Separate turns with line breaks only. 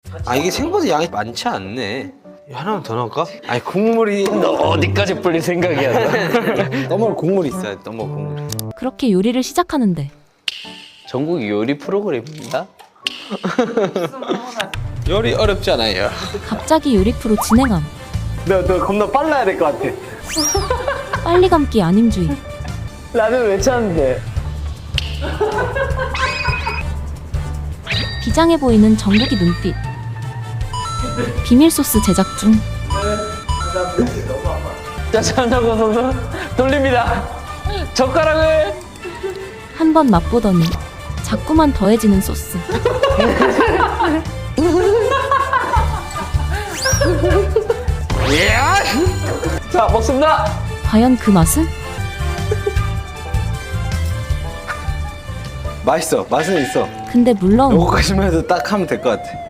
아 이게 생각보다 양이 많지 않네. 하나만 더 넣을까? 아니 국물이
너 어디까지 불릴 생각이야?
너무 국물이 있어야 돼. 너무 국물이.
그렇게 요리를 시작하는데
전국 요리 프로그램입니다.
요리 어렵지 않아요.
갑자기 요리 프로 진행함.
너 겁나 빨라야 될 것 같아.
빨리 감기 안임주의.
라면 왜 찾는데?
비장해 보이는 정국이 눈빛. 비밀 소스 제작 중.
자, 찬다고 선수 돌립니다. 젓가락을.
한 번 맛보더니 자꾸만 더해지는 소스.
자, 먹습니다.
과연 그 맛은?
맛있어. 맛은 있어.
근데 물론
요거까지만 해도 딱 하면 될 것 같아.